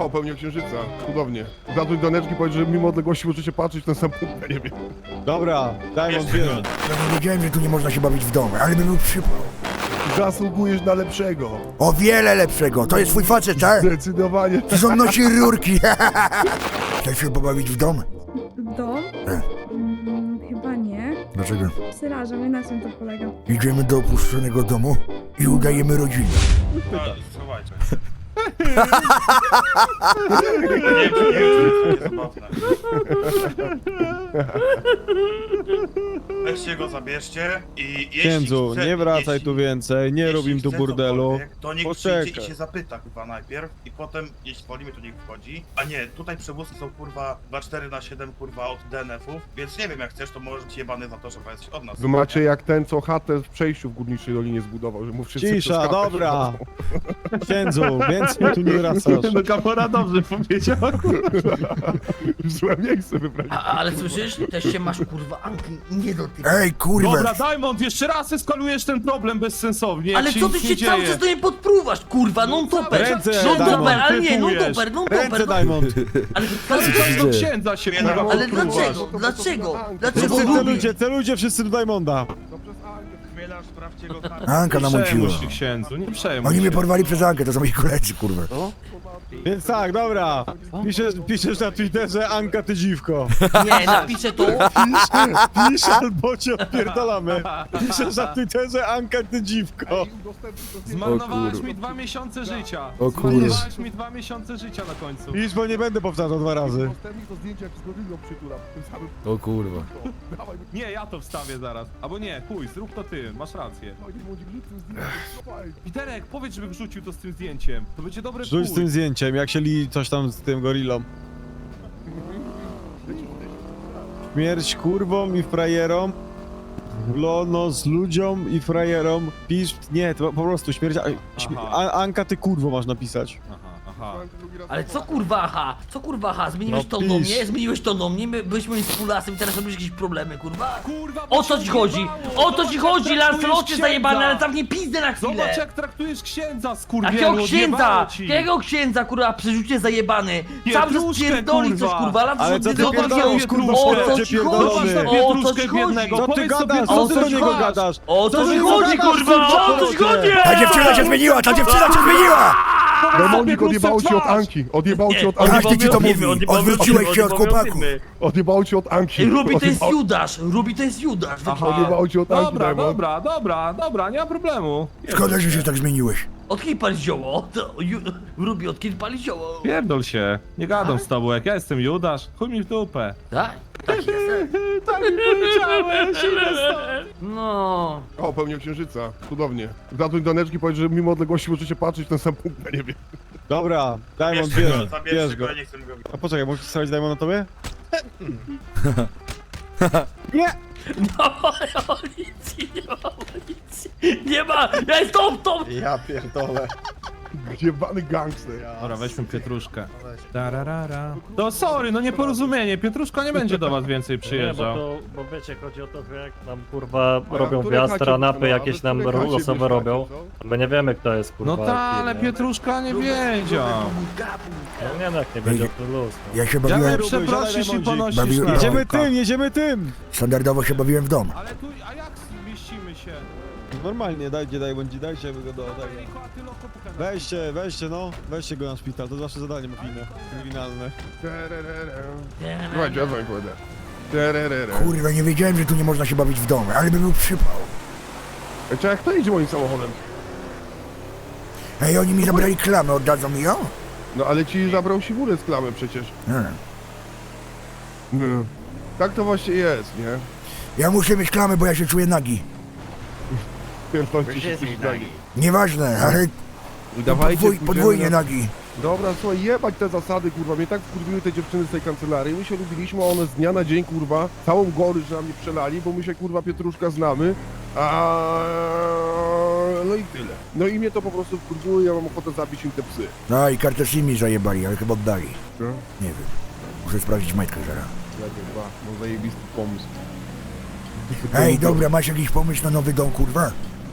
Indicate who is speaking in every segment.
Speaker 1: O, pełnię księżyca. Cudownie. Zadzwoń do Neczki, powiedz, że mimo odległości możecie patrzeć w ten sam punkt na niebie.
Speaker 2: Dobra, daj on bierze.
Speaker 3: Ja nie wiedziałem, że tu nie można się bawić w domu, ale bym był przypał.
Speaker 1: Zasługujesz na lepszego.
Speaker 3: O wiele lepszego. To jest twój facet, tak?
Speaker 1: Zdecydowanie.
Speaker 3: Przecież on nosi rurki. Chcesz się pobawić w dom?
Speaker 4: Dom? Chyba nie.
Speaker 3: Dlaczego?
Speaker 4: Przerażam, na czym to polega?
Speaker 3: Idziemy do opuszczonego domu i udajemy rodzinę.
Speaker 5: Schowajcie. Nie, to jest zabawne. Weźcie go, zabierzcie i jeśli
Speaker 2: Księdzu,
Speaker 5: chce,
Speaker 2: nie wracaj
Speaker 5: jeśli-
Speaker 2: tu więcej, nie
Speaker 5: jeśli
Speaker 2: robimy tu
Speaker 5: chce
Speaker 2: burdelu.
Speaker 5: cokolwiek, to niech przyjdzie
Speaker 2: Poczekaj.
Speaker 5: i się zapyta kurwa najpierw i potem, jeśli wolimy, to niech wchodzi. A nie, tutaj przewózki są kurwa 24/7 kurwa od DNF-ów, więc nie wiem, jak chcesz, to możesz być jebany za to, że jesteś od nas.
Speaker 1: Wy macie jak ten, co chatę w przejściu w Górniczej Dolinie zbudował, że mu wszyscy przez
Speaker 2: Cisza,
Speaker 1: chatę
Speaker 2: dobra.
Speaker 1: przechodzą.
Speaker 2: Księdzu, więcej tu nie wracasz.
Speaker 1: No Kamora dobrze powiedział. W złe miejsce wybrać.
Speaker 6: Ale słyszysz? Też się masz kurwa Anki nie dotykaj.
Speaker 3: Ej, kurwa!
Speaker 7: Dobra, Diamond, jeszcze raz eskalujesz ten problem bezsensownie, jak
Speaker 6: Ale
Speaker 7: się
Speaker 6: co ty
Speaker 7: nic
Speaker 6: się
Speaker 7: nie
Speaker 6: cały
Speaker 7: dzieje.
Speaker 6: czas do niej podpruwasz, kurwa, non-topper!
Speaker 2: Ręce,
Speaker 6: Non-topper,
Speaker 2: Diamond,
Speaker 6: ale nie,
Speaker 7: typujesz.
Speaker 6: non-topper,
Speaker 2: Ręce,
Speaker 6: non-topper!
Speaker 2: Diamond.
Speaker 6: Ale
Speaker 7: Do księdza się kurwa
Speaker 6: Ale
Speaker 7: podpruwasz.
Speaker 6: dlaczego? Dlaczego? Dlaczego
Speaker 2: Wszyscy
Speaker 6: lubi?
Speaker 2: celujcie wszyscy do Diamonda.
Speaker 5: Chmielarz, sprawdźcie go tam.
Speaker 3: Anka
Speaker 7: Nie
Speaker 3: namąciła.
Speaker 7: przejmuj się, księdzu, nie przejmuj
Speaker 3: Oni mnie
Speaker 7: się.
Speaker 3: porwali przez Ankę, to są moi koledzy, kurwa.
Speaker 2: Więc tak, dobra. Piszesz na Twitterze Anka ty dziwko.
Speaker 6: Nie, napiszę to.
Speaker 2: Pisz albo cię odpierdolamy. Piszesz na Twitterze Anka ty dziwko.
Speaker 7: Zmarnowałeś mi 2 miesiące życia.
Speaker 3: O kurwa.
Speaker 7: Zmarnowałeś mi 2 miesiące życia na końcu.
Speaker 2: Pisz, bo nie będę powtarzał 2 razy.
Speaker 1: Następnie to zdjęcie jak z gorylą przytulam. w tym samym-
Speaker 3: O kurwa.
Speaker 1: Dawaj,
Speaker 7: Nie, ja to wstawię zaraz. Albo nie, chuj, zrób to ty, masz rację.
Speaker 1: dawaj, nie bądź gluty, zdjęcie. Dawaj.
Speaker 7: Piterek, powiedz, żeby wrzucił to z tym zdjęciem. To będzie dobre
Speaker 2: Rzuć z tym zdjęciem, jak się li coś tam z tym gorillą. Śmierć kurwom i frajerom. Lono z ludziom i frajerom. Pisz, nie, to po prostu śmierć. Anka ty kurwo masz napisać.
Speaker 7: Aha, aha.
Speaker 6: Ale co kurwa, aha? Co kurwa, aha? Zmieniłeś
Speaker 2: No
Speaker 6: to do
Speaker 2: pisz.
Speaker 6: mnie? Zmieniłeś to do mnie? My byliśmy z Pulasem, teraz robisz jakieś problemy, kurwa?
Speaker 7: Kurwa, bo
Speaker 6: O co
Speaker 7: się
Speaker 6: ci chodzi?
Speaker 7: odjebało!
Speaker 6: O to ci
Speaker 7: Zobacz,
Speaker 6: chodzi,
Speaker 7: jak traktujesz
Speaker 6: Lancelocie
Speaker 7: księdza!
Speaker 6: zajebany, ale zamknij pizdę na chwilę!
Speaker 7: Zobacz, jak traktujesz księdza, skurwielu,
Speaker 6: Jakiego księdza?
Speaker 7: odjebało ci.
Speaker 6: Jakiego księdza, kurwa, przerzucie zajebany? Cały czas
Speaker 7: Pietruszkę,
Speaker 6: pierdoli coś,
Speaker 7: kurwa.
Speaker 6: kurwa, lat
Speaker 2: Ale co ty
Speaker 6: zobacz,
Speaker 2: pierdolisz, kurwa,
Speaker 6: o
Speaker 2: szkoda
Speaker 6: co
Speaker 2: cię
Speaker 6: ci
Speaker 2: pierdolony.
Speaker 6: chodzi?
Speaker 7: Zobacz na
Speaker 6: O co
Speaker 7: pietruszkę
Speaker 6: ci chodzi?
Speaker 7: biednego.
Speaker 2: Co ty
Speaker 7: Powiedz sobie,
Speaker 2: gadasz?
Speaker 7: co
Speaker 2: Co ty
Speaker 7: ty
Speaker 2: do niego
Speaker 7: masz?
Speaker 2: gadasz?
Speaker 6: O co
Speaker 2: Co
Speaker 6: ci
Speaker 2: ty
Speaker 6: chodzi,
Speaker 2: gadasz,
Speaker 6: kurwa? O co ci chodzi?
Speaker 3: Ta dziewczyna się zmieniła, ta dziewczyna się zmieniła!
Speaker 1: Demonik odjebało ci od Anki. Odjebało ci od Anki.
Speaker 3: Każdy ci to mówi. Odwróciłeś się od chłopaków.
Speaker 1: Odjebało ci od Anki.
Speaker 6: Ej, Ruby to jest
Speaker 1: Odjebało-
Speaker 6: Judasz, Ruby to jest Judasz.
Speaker 7: Aha.
Speaker 1: Odjebało ci od Anki,
Speaker 7: Dobra,
Speaker 1: Diamond.
Speaker 7: dobra, nie ma problemu.
Speaker 3: Szkoda, że się tak zmieniłeś.
Speaker 6: Od kiedy pali zioło? Ruby, od kiedy pali zioło?
Speaker 7: Pierdol się, nie gadam z tobą, jak ja jestem Judasz, chuj mi w dupę.
Speaker 6: Tak? Tak jest.
Speaker 7: Tak mi powiedziałeś, idę stąd.
Speaker 6: No.
Speaker 1: O, pełnię księżyca. Cudownie. Zadzwoń do Neczki, powiedz, że mimo odległości możecie patrzeć w ten sam punkt na niebie.
Speaker 2: Dobra, Diamond
Speaker 5: Bierzcie go,
Speaker 2: bierz
Speaker 5: zabierzcie
Speaker 2: go.
Speaker 5: go, ja nie chcę go widzieć.
Speaker 2: A poczekaj, możesz stawić Diamond na tobie? Nie!
Speaker 6: No, policji, nie ma policji. Nie ma! Ja jest top!
Speaker 2: Ja pierdolę.
Speaker 1: Jebany gangster.
Speaker 7: Dobra, weźmy Pietruszkę. Tararara. To sorry, no nieporozumienie, Pietruszka nie będzie do was więcej
Speaker 8: Nie,
Speaker 7: przyjeżdżał.
Speaker 8: bo wiecie, chodzi o to, że jak nam kurwa robią
Speaker 1: której
Speaker 8: wjazd,
Speaker 1: chacie
Speaker 8: ranapy
Speaker 1: była?
Speaker 8: jakieś
Speaker 1: A wy
Speaker 8: nam
Speaker 1: w której chacie
Speaker 8: losowe
Speaker 1: mieszkacie,
Speaker 8: robią,
Speaker 1: co?
Speaker 8: my nie wiemy kto jest kurwa.
Speaker 7: No ta, ale
Speaker 8: kim,
Speaker 7: Pietruszka nie wiedział.
Speaker 8: No nie no, jak nie będzie to luz. No.
Speaker 3: Ja się
Speaker 7: Chciałem
Speaker 3: bawiłem,
Speaker 7: przeprosić i ponosić
Speaker 3: Bawiłem-
Speaker 7: na
Speaker 2: Jedziemy tym!
Speaker 3: standardowo się bawiłem w dom.
Speaker 7: Ale tu, a jak zmieścimy się?
Speaker 2: Normalnie, dajcie go do tego. Weźcie go na szpital, to zawsze zadanie mafijne, kryminalne.
Speaker 1: Słuchajcie, ja wam kładę. Tererere.
Speaker 3: Kurwa, nie wiedziałem, że tu nie można się bawić w domu, ale bym był przypał.
Speaker 1: Czy jak to jedzie moim samochodem?
Speaker 3: Ej, oni mi zabrali klamę, oddadzą mi ją?
Speaker 1: No ale ci zabrał siwurę z klamy przecież. No. Tak to właśnie jest, nie?
Speaker 3: Ja muszę mieć klamę, bo ja się czuję nagi.
Speaker 1: Pierdolcie się coś nagi.
Speaker 3: Nieważne, ale
Speaker 1: Dawajcie,
Speaker 3: podwójnie nagi.
Speaker 1: Dobra, słuchaj, jebać te zasady, kurwa, mnie tak wkurwiły te dziewczyny z tej kancelarii, my się lubiliśmy, a one z dnia na dzień, kurwa, całą gorycz na mnie przelali, bo my się, kurwa, Pietruszka znamy, no i tyle. No i mnie to po prostu wkurwiło i ja mam ochotę zabić im te psy.
Speaker 3: No i kartę mi zajebali, ale chyba oddali.
Speaker 1: Co?
Speaker 3: Nie wiem. Muszę sprawdzić majtkę zaraz.
Speaker 1: No zajebisty pomysł.
Speaker 3: Ej, dobra, masz jakiś pomysł na nowy dom, kurwa?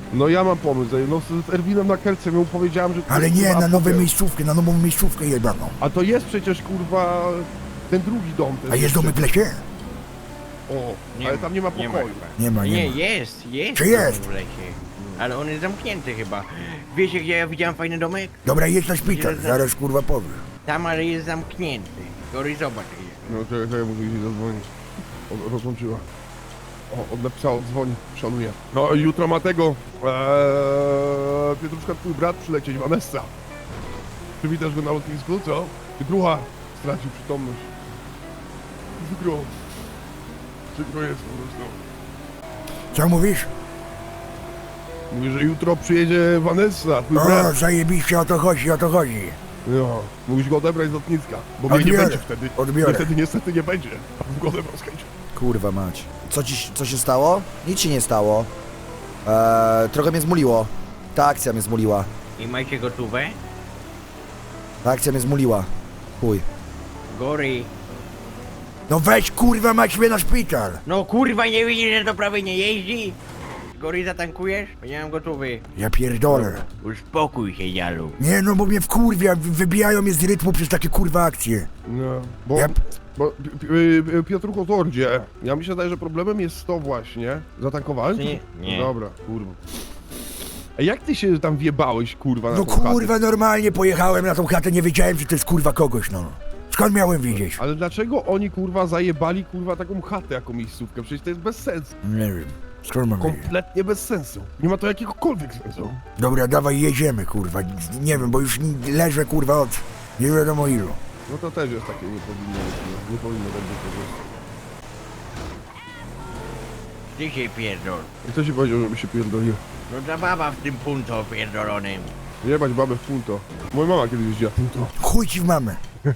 Speaker 1: No ja mam pomysł, no z Erwinem na Kerce mu powiedziałem, że...
Speaker 3: Ale nie,
Speaker 1: kurwa,
Speaker 3: na nową
Speaker 1: apotę.
Speaker 3: miejscówkę, na nową miejscówkę jebaną.
Speaker 1: A to jest przecież, kurwa, ten drugi dom. Ten
Speaker 3: A jest domek w lesie?
Speaker 1: O,
Speaker 9: Nie
Speaker 1: ale
Speaker 9: ma,
Speaker 1: tam nie ma
Speaker 9: nie ma
Speaker 1: pokoju.
Speaker 9: chyba.
Speaker 3: Nie ma,
Speaker 9: Nie,
Speaker 3: nie ma.
Speaker 9: jest.
Speaker 3: Czy jest?
Speaker 9: W lesie. Ale on jest zamknięty chyba. Wiecie, gdzie ja widziałem fajny domek?
Speaker 3: Dobra, jedź na szpital, zaraz kurwa powiem.
Speaker 9: Tam, ale jest zamknięty. Gory, zobacz.
Speaker 1: No to ja muszę jej zadzwonić. Rozłączyła. O, napisała, dzwoni, szanuję. No jutro ma tego, Pietruszka, twój brat przylecieć, Vanessa. Przywitasz go na lotnisku, co? Pietrucha stracił przytomność. Przykro. Przykro jest po prostu.
Speaker 3: Co mówisz?
Speaker 1: Mówi, że jutro przyjedzie Vanessa, twój
Speaker 3: O,
Speaker 1: brat.
Speaker 3: zajebiście, o to chodzi, o to chodzi.
Speaker 1: No, mówisz go odebrać z lotniska, bo mnie nie
Speaker 3: Odbiorę,
Speaker 1: będzie wtedy.
Speaker 3: odbiorę.
Speaker 1: Mnie wtedy niestety nie będzie. A w go odebrał z chęcią.
Speaker 10: Kurwa mać. Co się stało? Nic się nie stało. Trochę mnie zmuliło. Ta akcja mnie zmuliła.
Speaker 9: I macie gotówę?
Speaker 10: Ta akcja mnie zmuliła. Chuj.
Speaker 9: Gory.
Speaker 3: No weź kurwa mać mnie na szpital.
Speaker 9: No kurwa, nie widzisz, że to prawie nie jeździ? Gory, zatankujesz? Bo nie mam gotówy.
Speaker 3: Ja pierdolę.
Speaker 9: Uspokój się, Jalu.
Speaker 3: Nie no, bo mnie wkurwia, wybijają mnie z rytmu przez takie kurwa akcje.
Speaker 1: No, bo...
Speaker 3: Ja...
Speaker 1: Bo Piotrucho Tordzie, ja mi się zdaje, że problemem jest to właśnie. Zatankowałem?
Speaker 9: Nie. Nie.
Speaker 1: Dobra, kurwa. A jak ty się tam wjebałeś, kurwa, na
Speaker 3: No
Speaker 1: tą chatę?
Speaker 3: kurwa, normalnie pojechałem na tą chatę, nie wiedziałem, że to jest kurwa kogoś, no. Skąd miałem wiedzieć?
Speaker 1: Ale dlaczego oni, kurwa, zajebali, kurwa, taką chatę jako miejscówkę? Przecież to jest bez sensu.
Speaker 3: Nie wiem. Skąd mam wiedzieć?
Speaker 1: Kompletnie bez sensu. Nie ma to jakiegokolwiek sensu.
Speaker 3: Dobra, dawaj, jedziemy, kurwa. Nie wiem, bo już leżę, kurwa, od nie wiadomo ilu.
Speaker 1: No to też jest takie, nie powinno być, nie powinno tak być po prostu.
Speaker 9: Ty się pierdol.
Speaker 1: I kto ci powiedział, żeby się pierdolił?
Speaker 9: No ta baba w tym punto pierdolonym.
Speaker 1: Jebać babę w punto. Moja mama kiedyś jeździła w punto.
Speaker 3: Chuj ci w mamę.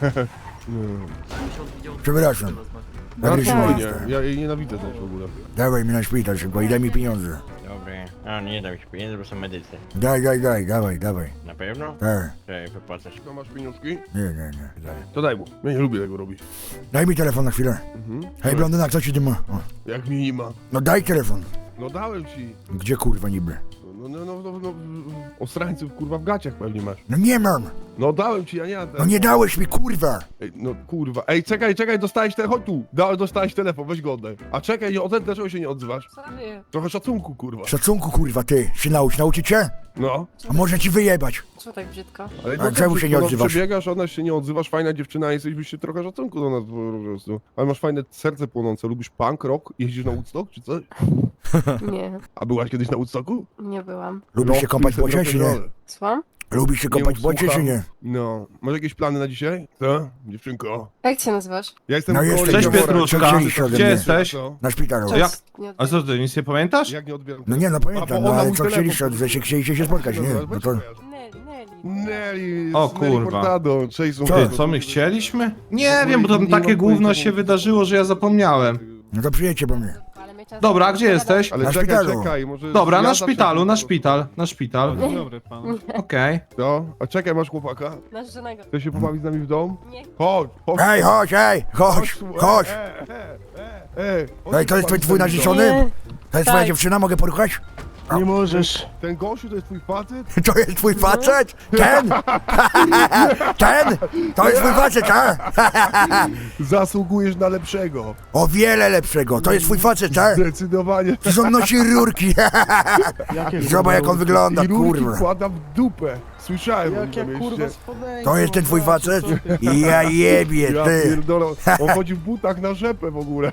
Speaker 3: Przepraszam.
Speaker 1: No,
Speaker 3: Agresywna
Speaker 1: spokojnie,
Speaker 3: jestem.
Speaker 1: ja jej nienawidzę też w ogóle.
Speaker 3: Dawaj mi na szpital szybko i daj mi pieniądze.
Speaker 9: Dobre. A, nie dam ci pieniędzy, bo są medycy.
Speaker 3: Dawaj.
Speaker 9: Na pewno?
Speaker 3: Tak.
Speaker 9: Czekaj, wypłacasz.
Speaker 1: No masz pieniążki?
Speaker 3: Nie.
Speaker 1: To daj mu. Ja nie lubię tego robić.
Speaker 3: Daj mi telefon na chwilę. Hej, blondyna, co ci ty ma? O.
Speaker 1: Jak mi nie ma.
Speaker 3: No daj telefon.
Speaker 1: No dałem ci.
Speaker 3: Gdzie kurwa niby?
Speaker 1: No, osrańców kurwa w gaciach pewnie masz.
Speaker 3: No nie mam.
Speaker 1: No dałem ci, ja nie
Speaker 3: No nie dałeś mi, kurwa.
Speaker 1: Ej, no kurwa. Ej, czekaj, dostałeś telefon. Chodź tu. Dostałeś telefon, weź go oddaj. A czekaj, dlaczego się nie odzywasz? Trochę szacunku, kurwa.
Speaker 3: Szacunku, kurwa, ty. Się nauczyć cię?
Speaker 1: No.
Speaker 3: A może ci wyjebać?
Speaker 11: Co tak brzydko?
Speaker 1: Ale
Speaker 3: A czemu się nie odzywasz?
Speaker 1: Przebiegasz, ona się nie odzywasz, fajna dziewczyna, jesteś, byś się trochę szacunku do nas po prostu. Ale masz fajne serce płonące. Lubisz punk, rock? Jeździsz na Woodstock, czy coś?
Speaker 11: Nie,
Speaker 1: A byłaś kiedyś na Woodstocku?
Speaker 11: nie byłam.
Speaker 3: Lubisz się kąpać w błocie, czy nie?
Speaker 11: Słucham?
Speaker 3: Lubisz się kąpać w błocie, czy nie?
Speaker 1: No. Masz jakieś plany na dzisiaj? Co? Dziewczynko.
Speaker 11: Jak się nazywasz?
Speaker 1: Ja jestem
Speaker 3: No
Speaker 1: w
Speaker 3: jeszcze
Speaker 1: Goli,
Speaker 7: Cześć,
Speaker 3: nie
Speaker 1: Jawora.
Speaker 7: Pietruszka.
Speaker 3: Co chcieliście ode
Speaker 7: Gdzie
Speaker 3: mnie?
Speaker 7: jesteś?
Speaker 1: Co?
Speaker 3: Na szpitalu.
Speaker 7: Jak?
Speaker 11: Nie
Speaker 7: A co ty, nic nie pamiętasz?
Speaker 1: Jak nie odbieram?
Speaker 3: No nie, no
Speaker 1: A,
Speaker 3: pamiętam,
Speaker 1: bo
Speaker 3: no
Speaker 1: ona
Speaker 3: ale
Speaker 1: mój
Speaker 3: co
Speaker 1: telefon
Speaker 3: chcieliście, że się chcieliście się spotkać, nie? No to...
Speaker 1: Nelly,
Speaker 7: O,
Speaker 1: Nelly
Speaker 7: kurwa.
Speaker 1: Furtado, cześć,
Speaker 7: Ty, co my chcieliśmy? Nie wiem, bo tam takie gówno się wydarzyło, że ja zapomniałem.
Speaker 3: No to przyjedźcie po mnie.
Speaker 7: Dobra, a gdzie jesteś?
Speaker 1: Ale
Speaker 3: Na
Speaker 1: czekaj,
Speaker 3: szpitalu.
Speaker 1: czekaj, może...
Speaker 7: Dobra,
Speaker 1: ja
Speaker 7: na
Speaker 1: zacznę-
Speaker 7: szpitalu, na szpital.
Speaker 8: Dobry pan.
Speaker 7: Okej.
Speaker 1: No, a czekaj, masz chłopaka?
Speaker 11: Nasz żonego.
Speaker 1: Chcesz się pobawić z nami w dom?
Speaker 11: Nie.
Speaker 1: Chodź, chodź.
Speaker 3: Hej, chodź! Ej, to jest twój narzeczony?
Speaker 11: Nie.
Speaker 3: To jest twoja
Speaker 11: Tak.
Speaker 3: dziewczyna, mogę poruchać?
Speaker 1: Nie możesz. Ten gościu to jest twój facet?
Speaker 3: To jest twój facet? Ten? Ten? To jest twój facet, a?
Speaker 1: Zasługujesz na lepszego.
Speaker 3: O wiele lepszego, to jest twój facet, a?
Speaker 1: Zdecydowanie.
Speaker 3: Przecież on nosi rurki. Zobacz jak on wygląda,
Speaker 1: I rurki
Speaker 3: kurwa.
Speaker 1: wkłada w dupę. Słyszałem o nim na mieście.
Speaker 3: To jest ten twój facet? Ja jebie,
Speaker 1: Ja
Speaker 3: ty.
Speaker 1: pierdolę. On chodzi w butach na rzepę w ogóle.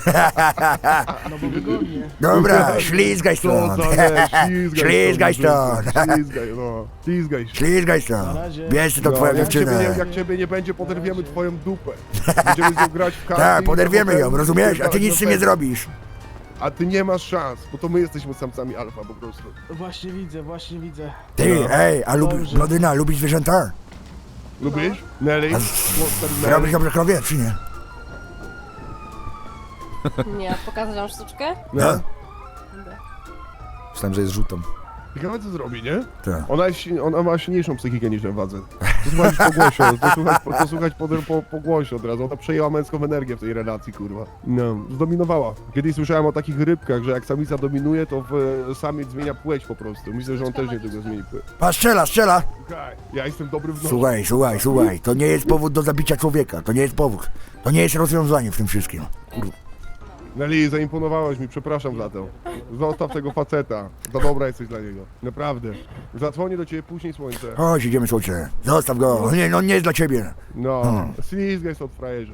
Speaker 3: Dobra, ślizgaj
Speaker 1: Co
Speaker 3: stąd.
Speaker 1: za leć,
Speaker 3: Ślizgaj stąd.
Speaker 1: Ślizgaj, no. Ślizgaj się.
Speaker 3: Ślizgaj stąd. Bierz to twoją
Speaker 1: jak
Speaker 3: dziewczynę.
Speaker 1: ciebie nie będzie, poderwiemy twoją dupę. Będziemy z nią grać w karty.
Speaker 3: Tak,
Speaker 1: i
Speaker 3: poderwiemy ją,
Speaker 1: potem
Speaker 3: rozumiesz? A ty nic z tym nie
Speaker 1: pewno.
Speaker 3: zrobisz.
Speaker 1: A ty nie masz szans, bo to my jesteśmy samcami alfa po prostu.
Speaker 8: Właśnie widzę.
Speaker 3: Ty,
Speaker 1: No.
Speaker 3: ej, a Blodyna, lubisz zwierzęta?
Speaker 1: Lubisz? Nelly?
Speaker 3: Robisz dobrze krowie, czy nie?
Speaker 11: Nie, pokazać wam sztuczkę?
Speaker 1: No.
Speaker 10: Myślałem, że jest rzutą.
Speaker 1: Ciekawe co zrobi, nie?
Speaker 3: Tak.
Speaker 1: Ona ma silniejszą psychikę niż ten facet. To słuchać po głosie, to słuchać po głosie od razu. Ona przejęła męską energię w tej relacji, kurwa. No, zdominowała. Kiedyś słyszałem o takich rybkach, że jak samica dominuje, to samiec zmienia płeć po prostu. Myślę, że on też nie tego zmieni płeć.
Speaker 3: Pa, strzela!
Speaker 1: Słuchaj, ja jestem dobry w nocy.
Speaker 3: Słuchaj, to nie jest powód do zabicia człowieka, to nie jest powód. To nie jest rozwiązanie w tym wszystkim. Kurwa.
Speaker 1: Nelly, zaimponowałeś mi, przepraszam za to. Zostaw tego faceta. Za dobra jesteś dla niego. Naprawdę. Zadzwonię do ciebie później, słońce.
Speaker 3: Chodź, idziemy, słońce. Zostaw go, nie jest dla ciebie.
Speaker 1: No, slizgaj się od frajerze.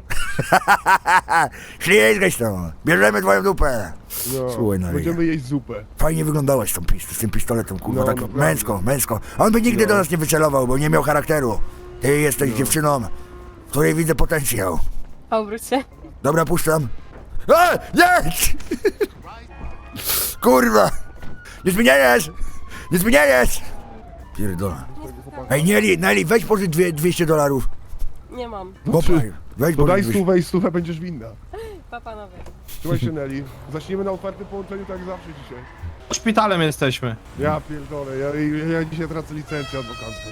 Speaker 3: Ślizgać to, bierzemy twoją dupę.
Speaker 1: No,
Speaker 3: Słuchaj, no,
Speaker 1: będziemy jeść zupę.
Speaker 3: fajnie wyglądałaś z tym pistoletem, kurwa,
Speaker 1: No,
Speaker 3: tak
Speaker 1: naprawdę.
Speaker 3: męsko. On by nigdy
Speaker 1: No.
Speaker 3: do nas nie wycelował, bo nie miał charakteru. Ty jesteś dziewczyną, w której widzę potencjał.
Speaker 11: Obróć się.
Speaker 3: Dobra, puszczam. Nie! Kurwa! Nie zmieniajesz! Pierdolę. Ej, Nelly, weź pożycz $200.
Speaker 11: Nie mam.
Speaker 3: Kopaj, weź
Speaker 1: To daj
Speaker 3: pożycz
Speaker 1: stówę i stówę będziesz winna.
Speaker 11: Pa, panowie.
Speaker 1: Trzymaj się, Nelly. Zaczniemy na otwartym połączeniu tak jak zawsze dzisiaj.
Speaker 7: Szpitalem jesteśmy.
Speaker 1: Ja pierdolę, ja dzisiaj tracę licencję adwokacką.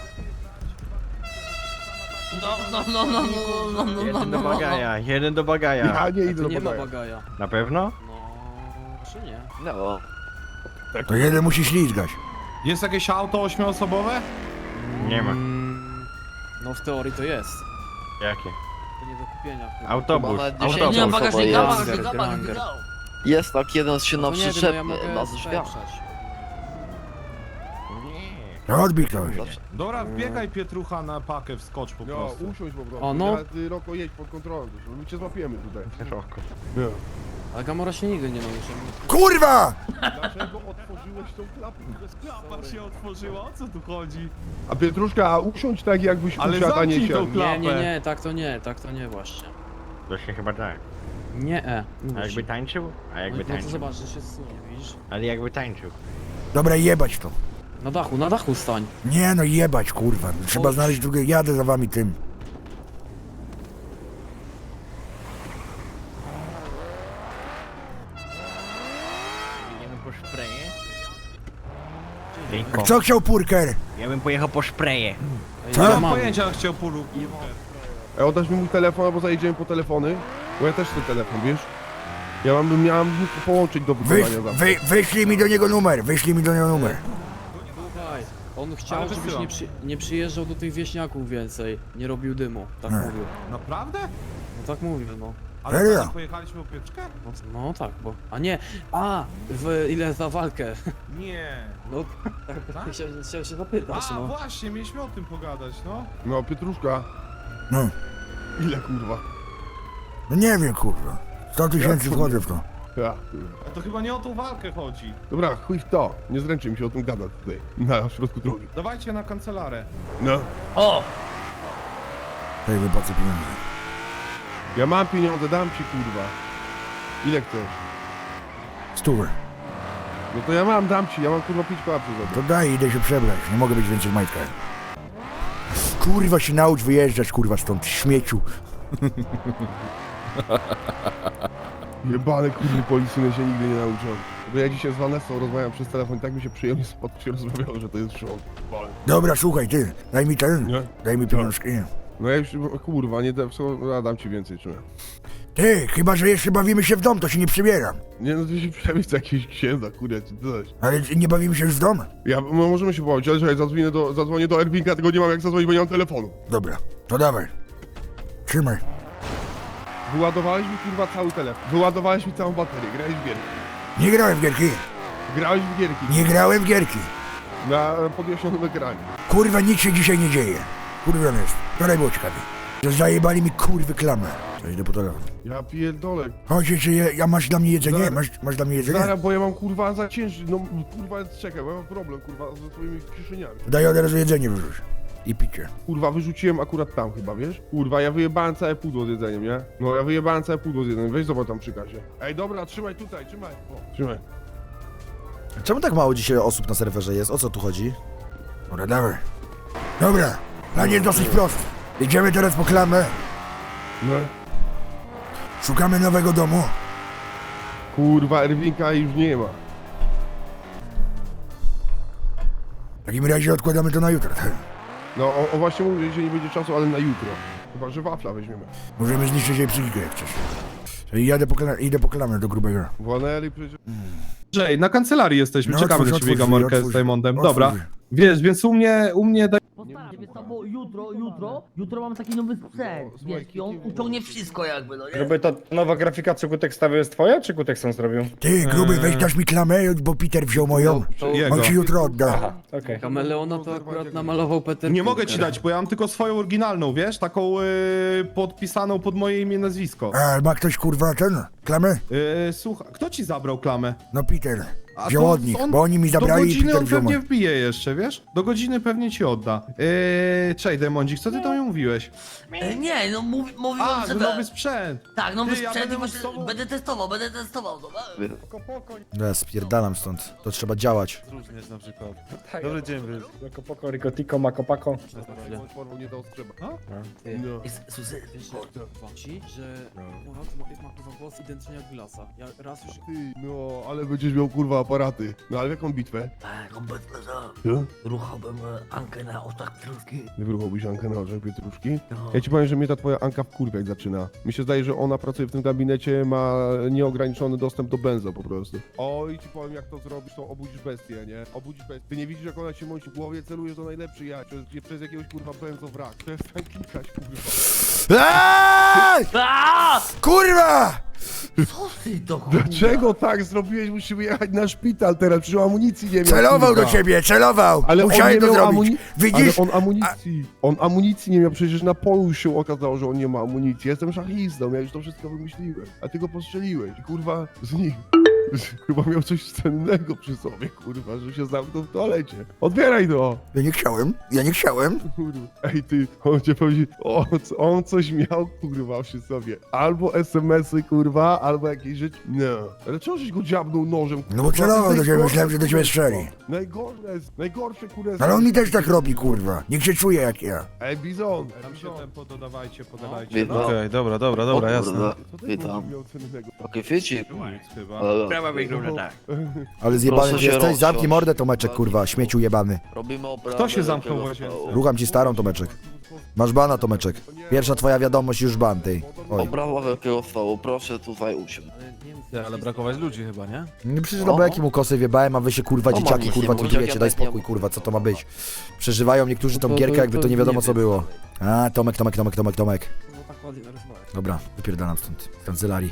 Speaker 9: Jeden do bagaja, jeden do bagaja.
Speaker 1: Ja nie idę do
Speaker 8: Nie ma
Speaker 1: bagaja.
Speaker 8: bagaja.
Speaker 9: Na pewno?
Speaker 8: No, czy nie?
Speaker 9: No.
Speaker 3: To jeden musi ślizgać.
Speaker 7: Jest jakieś auto 8-osobowe?
Speaker 9: Nie ma.
Speaker 8: No w teorii to jest.
Speaker 9: Jakie?
Speaker 8: To nie do kupienia. chyba.
Speaker 9: Autobus.
Speaker 6: Nie mam bagażnika,
Speaker 8: Granger.
Speaker 12: Jest tak, jeden się
Speaker 8: No
Speaker 12: na
Speaker 8: to nie wiem, no
Speaker 12: przyczepie,
Speaker 8: ja mogę
Speaker 12: na drzwiach.
Speaker 8: sprzeć.
Speaker 3: To odbij ktoś.
Speaker 7: Dobra, wbiegaj Pietrucha na pakę, wskocz po
Speaker 1: No,
Speaker 7: prostu.
Speaker 1: usiądź po prostu.
Speaker 8: O, no.
Speaker 1: Ty, Roko, jedź pod kontrolą, my cię złapiemy tutaj. No.
Speaker 8: Ale Gamora się nigdy nie nauczy.
Speaker 3: Kurwa!
Speaker 1: Dlaczego otworzyłeś tą klapę?
Speaker 7: Klapa się otworzyła, o co tu chodzi?
Speaker 1: A Pietruszka, a usiądź tak jakbyś
Speaker 7: Ale
Speaker 1: usiadł, a nie
Speaker 7: zamknij tą
Speaker 1: siadł.
Speaker 7: klapę.
Speaker 8: Nie, tak to nie właśnie.
Speaker 9: To się chyba tak.
Speaker 8: Nie,
Speaker 9: A jakby tańczył? A jakby
Speaker 8: no to
Speaker 9: tańczył?
Speaker 8: zobacz, że się zsunie, widzisz?
Speaker 9: Ale jakby tańczył.
Speaker 3: Dobra, jebać to.
Speaker 8: Na dachu stań.
Speaker 3: Nie no, jebać, kurwa. Trzeba
Speaker 8: Chodź.
Speaker 3: znaleźć drugie. Jadę za wami tym.
Speaker 9: Idziemy po szpreje?
Speaker 3: A co chciał Purker?
Speaker 9: Ja bym pojechał po szpreje.
Speaker 8: Ej,
Speaker 3: Co?
Speaker 7: Nie
Speaker 8: ja
Speaker 7: mam
Speaker 8: mam.
Speaker 7: pojęcia, jak chciał pulu.
Speaker 1: Oddasz mi mój telefon, albo zajedziemy po telefony? Bo ja też chcę telefon, wiesz? Miałem połączyć do wykonania zawsze.
Speaker 3: Wyślij mi do niego numer.
Speaker 8: Słuchaj, on chciał,
Speaker 7: Ale
Speaker 8: żebyś
Speaker 7: wysyłam.
Speaker 8: nie przyjeżdżał do tych wieśniaków więcej. Nie robił dymu. Tak
Speaker 3: Nie.
Speaker 8: mówił.
Speaker 7: Naprawdę?
Speaker 8: No tak mówił, no.
Speaker 7: Ale
Speaker 3: Serio?
Speaker 7: co, pojechaliśmy po pieczkę?
Speaker 8: No tak, bo... A nie! Ile za walkę?
Speaker 7: Nie.
Speaker 8: No, tak chciałem się zapytać,
Speaker 7: A,
Speaker 8: no.
Speaker 7: właśnie, mieliśmy o tym pogadać, no.
Speaker 1: No, Pietruszka,
Speaker 3: No.
Speaker 1: ile kurwa?
Speaker 3: No nie wiem, kurwa. 100 tysięcy wchodzę w to.
Speaker 1: Ja.
Speaker 7: A to chyba nie o tą walkę chodzi.
Speaker 1: Dobra, chuj w to. Nie zręczy mi się o tym gadać tutaj, na środku drogi.
Speaker 7: Dawajcie na kancelarę.
Speaker 1: No.
Speaker 6: O!
Speaker 3: Tutaj wypłacę pieniądze.
Speaker 1: Ja mam pieniądze, dam ci kurwa. Ile chcesz?
Speaker 3: 100.
Speaker 1: No to ja dam ci, ja mam kurwa 5 koła przy sobie.
Speaker 3: To daj, idę się przebrać. Nie mogę być więcej w majtkach. Kurwa się naucz wyjeżdżać, kurwa, stąd, śmieciu.
Speaker 1: Jebane kurwy policyjne się nigdy nie nauczą. Bo ja dzisiaj z Vanessą rozmawiam przez telefon i tak mi się przyjemnie się rozmawiało, że to jest szok.
Speaker 3: Dobra, słuchaj, ty, daj mi ten,
Speaker 1: Nie?
Speaker 3: daj mi pieniążki.
Speaker 1: No ja już, kurwa, nie dam, ja dam ci więcej, czy nie?
Speaker 3: Ty, chyba że jeszcze bawimy się w dom, to się nie przybieram.
Speaker 1: Nie no, to się przemyśl za jakiegoś księdza, kurwa, czy coś.
Speaker 3: Ale nie bawimy się już w dom?
Speaker 1: No, możemy się pobawić, ale czekaj, zadzwonię do Erwinka, tylko nie mam jak zadzwonić, bo nie mam telefonu.
Speaker 3: Dobra, to dawaj. Trzymaj.
Speaker 1: Wyładowałeś mi kurwa cały telefon, wyładowałeś mi całą baterię, grałeś w gierki.
Speaker 3: Nie grałem w gierki.
Speaker 1: Grałeś w gierki.
Speaker 3: Nie grałem w gierki.
Speaker 1: Na podjaśnionym ekranie.
Speaker 3: Kurwa, nic się dzisiaj nie dzieje. Kurwa jest. Wczoraj było ciekawie. Że zajebali mi kurwy klamę. To idę po telefon.
Speaker 1: Ja pierdolę.
Speaker 3: Chodź, czy ja masz dla mnie jedzenie?
Speaker 1: Zaraz.
Speaker 3: Masz dla mnie jedzenie?
Speaker 1: Zaraz, bo ja mam kurwa za ciężki, no kurwa czekaj, bo ja mam problem kurwa ze swoimi kieszeniami.
Speaker 3: Daj od razu jedzenie wyrzuć. I picie.
Speaker 1: Kurwa, wyrzuciłem akurat tam chyba, wiesz? Kurwa, ja wyjebałem całe pudło z jedzeniem, nie? No ja wyjebałem całe pudło z jedzeniem, weź zobacz tam przy kasie. Ej, dobra, trzymaj tutaj, trzymaj. O, trzymaj.
Speaker 10: Czemu tak mało dzisiaj osób na serwerze jest? O co tu chodzi?
Speaker 3: Dobra, dawaj. Dobra, plan jest dosyć prosty. Idziemy teraz po klamę.
Speaker 1: No.
Speaker 3: Szukamy nowego domu.
Speaker 1: Kurwa, Erwinka już nie ma.
Speaker 3: W takim razie odkładamy to na jutro.
Speaker 1: No, o właśnie mówię, że nie będzie czasu, ale na jutro. Chyba, że wafla weźmiemy.
Speaker 3: Możemy zniszczyć jej psychikę jak chcesz. Idę po klamę do grubego.
Speaker 1: Właneli przecież...
Speaker 7: Andrzej, na kancelarii jesteśmy,
Speaker 3: No,
Speaker 7: czekamy na
Speaker 3: otwórz,
Speaker 7: ciebie
Speaker 3: otwórz,
Speaker 7: Gamorkę
Speaker 3: otwórz.
Speaker 7: z Diamondem.
Speaker 3: Otwórz.
Speaker 7: Dobra, wiesz, więc u mnie daj...
Speaker 6: Postaram się, bo jutro mam taki nowy sprzęt, wiesz, i on uciągnie wszystko jakby, no nie?
Speaker 13: Gruby, to nowa grafika, co Gutek stawił, jest twoja, czy Gutek sam zrobił?
Speaker 3: Ty, gruby, weź dasz mi klamę, bo Peter wziął moją.
Speaker 7: Jego.
Speaker 3: On ci jutro odda.
Speaker 13: Aha, okej.
Speaker 8: Kameleona to akurat namalował Peter
Speaker 7: Nie mogę ci
Speaker 8: Parker.
Speaker 7: dać, bo ja mam tylko swoją oryginalną, wiesz, taką podpisaną pod moje imię i nazwisko.
Speaker 3: A ma ktoś kurwa ten? Klamę?
Speaker 7: Słuchaj, kto ci zabrał klamę?
Speaker 3: No Peter.
Speaker 7: A
Speaker 3: Wziął
Speaker 7: to
Speaker 3: od nich,
Speaker 7: on
Speaker 3: bo oni mi
Speaker 7: Do
Speaker 3: zabrali i
Speaker 7: godziny
Speaker 3: Peter
Speaker 7: on
Speaker 3: wziął
Speaker 7: pewnie
Speaker 3: moją.
Speaker 7: wbije jeszcze, wiesz? Do godziny pewnie ci odda. Cześć, Demondzik, co ty tam mi mówiłeś?
Speaker 6: Nie, no mówiłem,
Speaker 7: A,
Speaker 6: że
Speaker 7: że nowy sprzęt.
Speaker 6: tak, nowy
Speaker 7: Ty, ja
Speaker 6: sprzęt i
Speaker 7: będę
Speaker 6: właśnie
Speaker 7: z tobą.
Speaker 6: będę testował, no.
Speaker 10: Ja spierdalam stąd. To trzeba działać.
Speaker 2: Różniesz na przykład.
Speaker 13: Tak.
Speaker 2: Dobry dzień, wy.
Speaker 13: Jako poko, Rikotiko, Makopako.
Speaker 1: Formą nie do ostrzepa.
Speaker 8: Ty,
Speaker 1: No.
Speaker 6: Słyszę,
Speaker 8: ci, że ma kurwa głos identyczny jak Glasa. Ja raz już...
Speaker 1: Ty, no, ale będziesz miał kurwa aparaty. No, ale w jaką bitwę?
Speaker 6: tak, obecnie,
Speaker 1: Co?
Speaker 6: ruchałbym Ankę na oczach Pietruszki.
Speaker 1: Wyruchałbyś Ankę na oczach Pietruszki?
Speaker 6: No.
Speaker 1: Ja ci powiem, że mnie ta twoja Anka wkurwiać zaczyna. Mi się zdaje, że ona pracuje w tym gabinecie, ma nieograniczony dostęp do benzo po prostu. Oj, ci powiem, jak to zrobisz, to obudzisz bestię, nie? Obudzisz bestię. Ty nie widzisz, jak ona się mąci w głowie, celuje to najlepszy ja, przez jakiegoś kurwa benzo wrak. Przestań klikać, kurwa.
Speaker 3: Eee!
Speaker 6: Aaaa!
Speaker 3: Kurwa!
Speaker 6: Co ty to kurwa?
Speaker 1: Dlaczego tak zrobiłeś? Musimy jechać na szpital teraz, przecież amunicji nie miał.
Speaker 3: Celował
Speaker 1: kurwa.
Speaker 3: do ciebie, celował!
Speaker 1: Ale on
Speaker 3: Musiałem
Speaker 1: nie
Speaker 3: to
Speaker 1: miał
Speaker 3: zrobić.
Speaker 1: amunicji.
Speaker 3: Widzisz?
Speaker 1: Ale on amunicji nie miał, przecież na polu już się okazało, że on nie ma amunicji. Jestem szachistą, ja już to wszystko wymyśliłem. A ty go postrzeliłeś i kurwa z nich. Chyba miał coś cennego przy sobie, kurwa, że się zamknął w toalecie. Odbieraj to!
Speaker 3: Ja nie chciałem.
Speaker 1: Kurwa. Ej ty, on cię powiedział, on coś miał, kurwa, przy sobie. Albo SMS-y, kurwa, albo jakieś rzeczy. No. Ale czemu żeś go dziabnął nożem?
Speaker 3: No bo
Speaker 1: kurwa?
Speaker 3: celował
Speaker 1: To
Speaker 3: do
Speaker 1: jest
Speaker 3: ciebie,
Speaker 1: najgorsze,
Speaker 3: myślałem, że do ciebie
Speaker 1: kurwa.
Speaker 3: strzeli.
Speaker 1: Najgorsze, kurwa.
Speaker 3: Ale on mi też tak robi, kurwa. Niech się czuje jak ja.
Speaker 1: Ej, Bizon!
Speaker 7: Tam się tempo dodawajcie, podawajcie.
Speaker 12: Witam.
Speaker 7: No,
Speaker 2: Okej, dobra,
Speaker 12: O
Speaker 2: jasne.
Speaker 12: kurde,
Speaker 1: Co ty
Speaker 12: witam.
Speaker 1: miał cennego?
Speaker 12: Okej, wiecie,
Speaker 7: nic chyba.
Speaker 9: Sprawa wygląda tak.
Speaker 10: Ale zjebany
Speaker 12: Proszę
Speaker 10: ty
Speaker 12: się
Speaker 10: jesteś? Zamknij
Speaker 12: rozsiąść.
Speaker 10: mordę, Tomeczek, kurwa. Śmieciu jebany.
Speaker 12: robimy oprawę.
Speaker 7: Kto się zamknął
Speaker 12: wielkiego
Speaker 7: w łazience?
Speaker 12: stołu.
Speaker 10: Rucham ci starą, Tomeczek. Masz bana, Tomeczek. Pierwsza twoja wiadomość, już ban, ty. Oj.
Speaker 12: Oprawa wielkiego stołu, proszę tutaj usiąść.
Speaker 2: Ale brakować ludzi chyba, nie?
Speaker 10: No przecież do beki mu kosy wjebałem, a wy się kurwa
Speaker 12: No,
Speaker 10: dzieciaki,
Speaker 12: mam
Speaker 10: kurwa
Speaker 12: nic nie
Speaker 10: tujecie,
Speaker 12: mówić,
Speaker 10: daj
Speaker 12: jak ja
Speaker 10: spokój,
Speaker 12: nie-
Speaker 10: kurwa, co to ma być? Przeżywają niektórzy tą
Speaker 8: To-
Speaker 10: gierkę,
Speaker 8: to-
Speaker 10: jakby to
Speaker 8: to
Speaker 10: nie wiadomo
Speaker 8: nie
Speaker 10: co
Speaker 8: wiem.
Speaker 10: było. A, Tomek.
Speaker 8: No tak ładnie narysowałeś.
Speaker 10: Dobra, wypierdalam stąd, z kancelarii.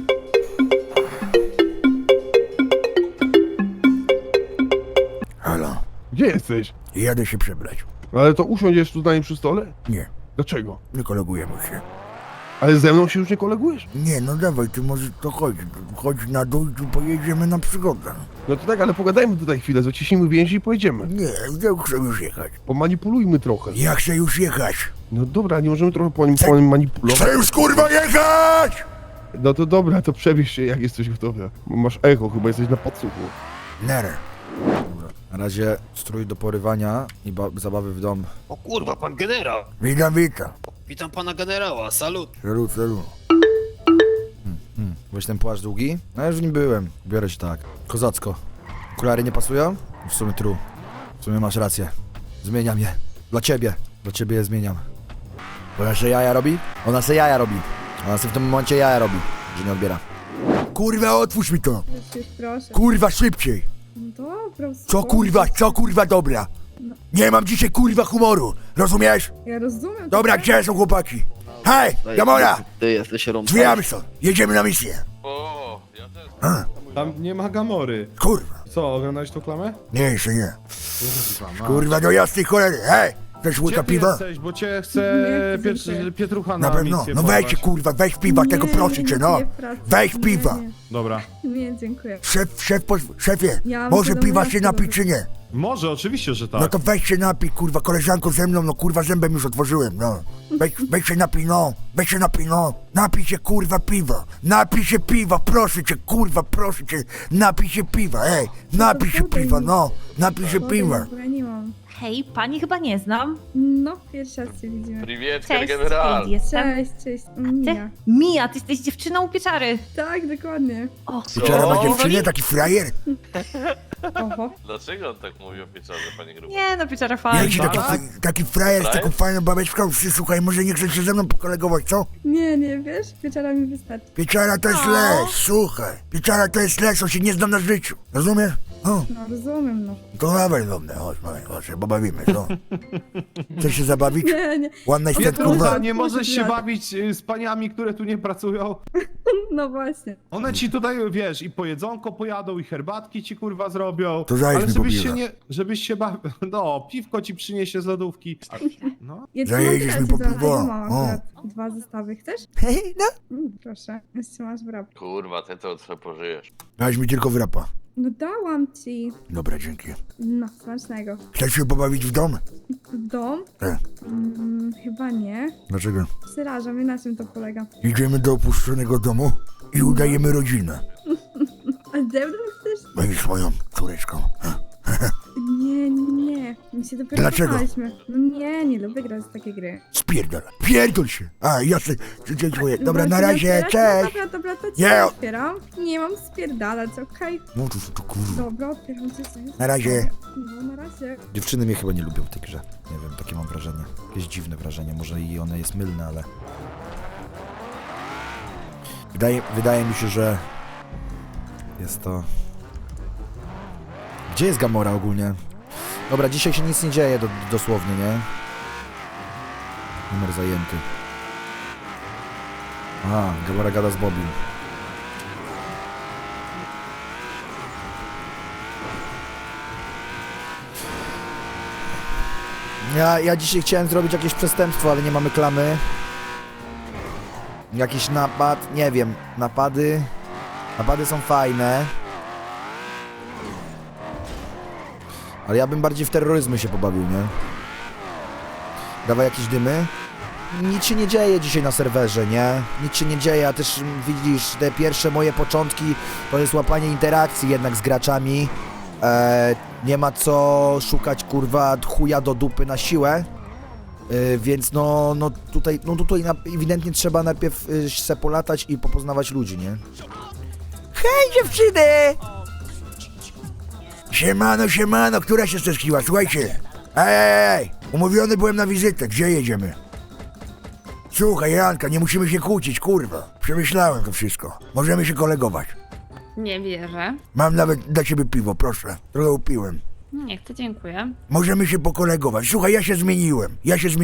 Speaker 3: Halo.
Speaker 1: Gdzie jesteś?
Speaker 3: Jadę się przebrać.
Speaker 1: Ale to usiądziesz tu z nami przy stole?
Speaker 3: Nie,
Speaker 1: Dlaczego?
Speaker 3: nie kolegujemy się.
Speaker 1: Ale ze mną się już nie kolegujesz?
Speaker 3: Nie, no dawaj, ty może to chodź. Chodź na dół i tu pojedziemy na przygodę.
Speaker 1: No to tak, ale pogadajmy tutaj chwilę, zaciśnijmy więzi i pojedziemy.
Speaker 3: Nie, ja chcę już jechać.
Speaker 1: Pomanipulujmy trochę.
Speaker 3: Ja chcę już jechać.
Speaker 1: No dobra, nie możemy trochę manipulować.
Speaker 3: Chcę już kurwa jechać!
Speaker 1: No to dobra, to przebierz się jak jesteś gotowy. Masz echo, chyba jesteś na podsłuchu.
Speaker 3: Nara.
Speaker 10: Dobra. Na razie strój do porywania i zabawy w dom.
Speaker 9: O kurwa, pan generał.
Speaker 3: Witam.
Speaker 9: Witam pana generała, salut.
Speaker 3: Salut.
Speaker 10: Weź ten płaszcz długi? No ja już w nim byłem. Biorę się tak. Kozacko. Okulary nie pasują? W sumie true. W sumie masz rację. Zmieniam je. Dla ciebie. Dla ciebie je zmieniam. Ona se jaja robi? Ona se jaja robi. Ona se w tym momencie jaja robi, że nie odbiera.
Speaker 3: Kurwa, otwórz mi to.
Speaker 4: Już proszę.
Speaker 3: Kurwa, szybciej.
Speaker 4: Dobra,
Speaker 3: Co kurwa, dobra. Nie mam dzisiaj kurwa humoru. Rozumiesz?
Speaker 4: Ja rozumiem.
Speaker 3: Dobra,
Speaker 4: tak?
Speaker 3: gdzie są chłopaki? Hej, Gamora!
Speaker 12: Ty jesteś rąbany.
Speaker 3: Drzwiami stąd. Jedziemy na misję.
Speaker 7: Tam nie ma Gamory.
Speaker 3: Kurwa.
Speaker 7: Co, oglądałeś tą klamę?
Speaker 3: Nie, jeszcze nie. Kurwa, do jasnej cholery. Hej, chcesz
Speaker 7: Gdzie
Speaker 3: łyka
Speaker 7: ty
Speaker 3: piwa?
Speaker 7: jesteś, bo cię chce
Speaker 4: Nie, dziękuję.
Speaker 7: Pietrucha na
Speaker 3: Na pewno.
Speaker 7: misję
Speaker 3: No weź
Speaker 7: porwać.
Speaker 3: kurwa, weź piwa, tego proszę cię, no.
Speaker 4: nie, pracy.
Speaker 3: Weź piwa.
Speaker 7: Dobra.
Speaker 4: Nie, dziękuję.
Speaker 3: Szefie,
Speaker 4: Ja mam
Speaker 3: może
Speaker 4: wiadomo,
Speaker 3: piwa
Speaker 4: jak
Speaker 3: się
Speaker 4: to
Speaker 3: napić
Speaker 4: robić.
Speaker 3: czy nie?
Speaker 7: Może, oczywiście, że tak.
Speaker 3: No to weź się napij, kurwa, koleżanko ze mną, no kurwa zębem już otworzyłem, no. Weź się napij, no. Weź się napij, no. Napij się kurwa piwa. Napij się piwa, proszę cię, kurwa, proszę cię. Napij się piwa, ej. Napij się piwa, no. Napij się piwa.
Speaker 4: Ja nie mam.
Speaker 11: Hej, pani chyba nie znam.
Speaker 4: No, pierwszy raz cię widzimy.
Speaker 11: Cześć, Kate jestem.
Speaker 4: Cześć.
Speaker 11: Ty?
Speaker 4: Mija.
Speaker 11: Mija, ty jesteś dziewczyną u pieczary.
Speaker 4: Tak, dokładnie.
Speaker 11: O,
Speaker 3: Pieczara ma dziewczynę, taki frajer.
Speaker 4: Oho.
Speaker 12: Dlaczego on tak mówi o pieczarze, panie Gruby?
Speaker 11: nie no, pieczara
Speaker 3: Jak
Speaker 11: fajna.
Speaker 3: ci taki frajer z taką fajną babeczką, słuchaj, może nie chcesz się ze mną pokolegować, co?
Speaker 4: Nie, wiesz, pieczara mi wystarczy.
Speaker 3: Pieczara to jest les, słuchaj. Pieczara to jest les, on się nie zna na życiu. Rozumiesz? O,
Speaker 4: No, rozumiem, no.
Speaker 3: to dawaj do mnie, chodź, się pobawimy, co? Chcesz się zabawić?
Speaker 4: Nie.
Speaker 3: One night stand,
Speaker 4: Pietrucha,
Speaker 3: kurwa.
Speaker 7: Kurwa, nie możesz się
Speaker 4: tak.
Speaker 7: bawić z paniami, które tu nie pracują.
Speaker 4: No właśnie.
Speaker 7: One ci tutaj, wiesz, i po jedzonko pojadą, i herbatki ci kurwa zrobią.
Speaker 3: To zajedź
Speaker 7: Ale
Speaker 3: mi po
Speaker 7: żebyś
Speaker 3: piwa.
Speaker 7: się nie, żebyś się bawił, no, piwko ci przyniesie z lodówki. No.
Speaker 4: Ja ci
Speaker 3: Zajedziesz
Speaker 4: mam
Speaker 3: mi po
Speaker 4: teraz,
Speaker 3: piwo.
Speaker 4: ja mam
Speaker 3: O.
Speaker 4: akurat 2 zestawy. Chcesz?
Speaker 3: No,
Speaker 4: Proszę. Jeszcze masz wrap.
Speaker 12: Kurwa, ty to co pożyjesz.
Speaker 3: dałeś mi tylko wrapa.
Speaker 4: No dałam ci.
Speaker 3: Dobra, dzięki.
Speaker 4: No, smacznego.
Speaker 3: Chcesz się pobawić w dom?
Speaker 4: Dom?
Speaker 3: Tak.
Speaker 4: Chyba nie.
Speaker 3: Dlaczego?
Speaker 4: Przeraża mnie, na czym to polega.
Speaker 3: Idziemy do opuszczonego domu i udajemy rodzinę.
Speaker 4: A ze mną chcesz?
Speaker 3: Będziesz moją córeczką.
Speaker 4: Nie. My się dopiero
Speaker 3: Dlaczego?
Speaker 4: poznaliśmy. No nie lubię grać w takie gry.
Speaker 3: Spierdol. Pierdol się. A, jasne. Dziękuję. Dobra, na
Speaker 4: Bo ci
Speaker 3: razie,
Speaker 4: otwierać?
Speaker 3: cześć.
Speaker 4: Dobra, to ci
Speaker 3: Nie.
Speaker 4: otwieram. Nie mam spierdalać, okej?
Speaker 3: No to kurwa.
Speaker 4: Dobra, otwieram cię.
Speaker 3: Na razie.
Speaker 4: No, na razie.
Speaker 10: Dziewczyny mnie chyba nie lubią w tej grze. Nie wiem, takie mam wrażenie. Jakieś dziwne wrażenie, może i one jest mylne, ale... Wydaje mi się, że... Jest to... Gdzie jest Gamora ogólnie? Dobra, dzisiaj się nic nie dzieje dosłownie, nie? Numer zajęty. Aha, Gamora gada z Bobby. Ja dzisiaj chciałem zrobić jakieś przestępstwo, ale nie mamy klamy. Jakiś napad, nie wiem, napady są fajne. Ale ja bym bardziej w terroryzmy się pobawił, nie? Dawaj jakieś dymy. Nic się nie dzieje dzisiaj na serwerze, nie? Nic się nie dzieje, a też widzisz, te pierwsze moje początki to jest łapanie interakcji jednak z graczami. Nie ma co szukać, kurwa, chuja do dupy na siłę. Więc tutaj ewidentnie trzeba najpierw se polatać i popoznawać ludzi, nie?
Speaker 3: Hej, dziewczyny! Siemano, która się stęskiła? Słuchajcie. Ej, umówiony byłem na wizytę. Gdzie jedziemy? Słuchaj, Janka, nie musimy się kłócić, kurwa. Przemyślałem to wszystko. Możemy się kolegować.
Speaker 11: Nie wierzę.
Speaker 3: Mam nawet dla ciebie piwo, proszę. Trochę upiłem.
Speaker 11: Nie chcę, dziękuję.
Speaker 3: Możemy się pokolegować. Słuchaj, ja się zmieniłem.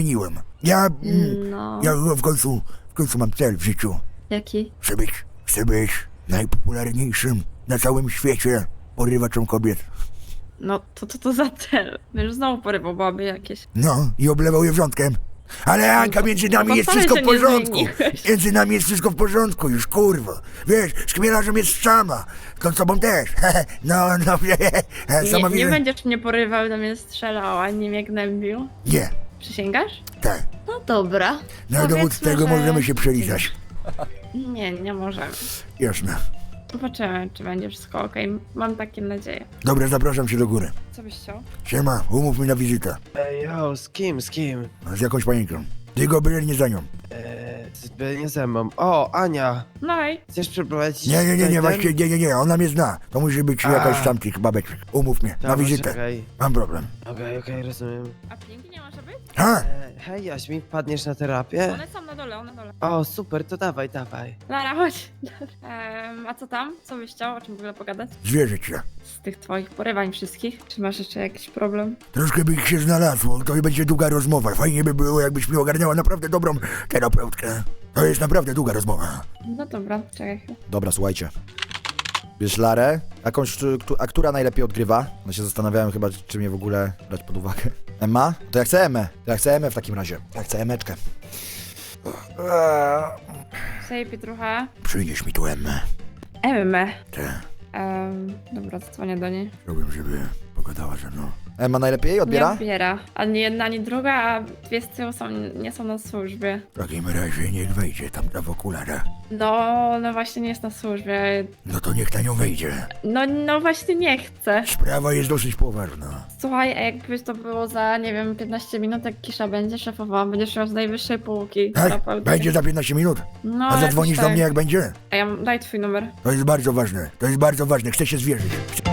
Speaker 11: No.
Speaker 3: Ja w końcu mam cel w życiu.
Speaker 11: Jaki?
Speaker 3: Chcę być najpopularniejszym na całym świecie porywaczem kobiet.
Speaker 11: No, to za cel. Już znowu porywał baby jakieś.
Speaker 3: No, i oblewał je wrzątkiem. Ale Anka, między nami jest
Speaker 11: wcale
Speaker 3: wszystko
Speaker 11: się
Speaker 3: w
Speaker 11: nie
Speaker 3: porządku.
Speaker 11: zmieniłeś.
Speaker 3: Między nami jest wszystko w porządku już, kurwa. Wiesz, z chmielarzem jest szama. Z tobą też. No, sama
Speaker 11: Nie
Speaker 3: widzę.
Speaker 11: będziesz mnie porywał, do mnie strzelał, ani mnie gnębił.
Speaker 3: Nie,
Speaker 11: Przysięgasz?
Speaker 3: tak.
Speaker 11: No dobra.
Speaker 3: Na dowód
Speaker 11: Powiedzmy,
Speaker 3: tego
Speaker 11: że-
Speaker 3: możemy się przelizać.
Speaker 11: Nie możemy.
Speaker 3: Jasne.
Speaker 11: Zobaczymy, czy będzie wszystko okej. Mam takie nadzieję.
Speaker 3: Dobra, zapraszam cię do góry.
Speaker 11: Co byś chciał?
Speaker 3: Siema, umów mi na wizytę.
Speaker 13: Ej, z kim?
Speaker 3: Z jakąś panienką. Ty go byle nie za nią.
Speaker 13: Nie ze mną. O, Ania,
Speaker 11: No i
Speaker 13: chcesz przeprowadzić...
Speaker 3: Nie, właśnie, nie, ona mnie zna. To musi być jakaś tamtych babeczek. Umów mnie, na wizytę. Mam problem.
Speaker 13: Okej, rozumiem.
Speaker 11: a Pinki nie może być?
Speaker 3: Ha?
Speaker 13: Hej, Jaśmin, wpadniesz na terapię?
Speaker 11: One są na dole.
Speaker 13: O, super, to dawaj.
Speaker 11: Lara, chodź. A co tam? Co byś chciał? O czym w ogóle pogadać?
Speaker 3: Zwierzę cię.
Speaker 11: Z tych twoich porywań wszystkich? Czy masz jeszcze jakiś problem?
Speaker 3: Troszkę by ich się znalazło, to będzie długa rozmowa. Fajnie by było, jakbyś mi ogarniała naprawdę dobrą terapeutkę. To jest naprawdę długa rozmowa.
Speaker 11: No dobra, czekaj chwilę.
Speaker 10: Dobra, słuchajcie. Bierz Larę, a która najlepiej odgrywa? No się zastanawiałem chyba, czy mnie w ogóle brać pod uwagę. Emma? To ja chcę Emmę w takim razie. Ja chcę Emmeczkę.
Speaker 11: Cześć, Pietrucha.
Speaker 3: Przynieś mi tu Emmę.
Speaker 11: Emmę.
Speaker 3: Te.
Speaker 11: Dobra, zadzwonię do niej.
Speaker 3: Chciałbym, żeby pogadała ze mną.
Speaker 10: Emma najlepiej
Speaker 11: Nie
Speaker 10: odbiera?
Speaker 11: odbiera. Ani jedna, ani druga, a dwie z tyłu nie są na służbie.
Speaker 3: W takim razie niech wejdzie tamta w okularach.
Speaker 11: No właśnie nie jest na służbie.
Speaker 3: No to niech ta nią wejdzie.
Speaker 11: No właśnie nie chcę.
Speaker 3: Sprawa jest dosyć poważna.
Speaker 11: Słuchaj, a jakby to było za, nie wiem, 15 minut, jak Kisza będzie szefowała, będziesz miał z najwyższej półki.
Speaker 3: Tak?
Speaker 11: Naprawdę.
Speaker 3: Będzie za 15 minut?
Speaker 11: No,
Speaker 3: A
Speaker 11: jakoś
Speaker 3: zadzwonisz do
Speaker 11: tak.
Speaker 3: mnie jak będzie?
Speaker 11: A ja daj twój numer.
Speaker 3: To jest bardzo ważne. To jest bardzo ważne. Chcę się zwierzyć.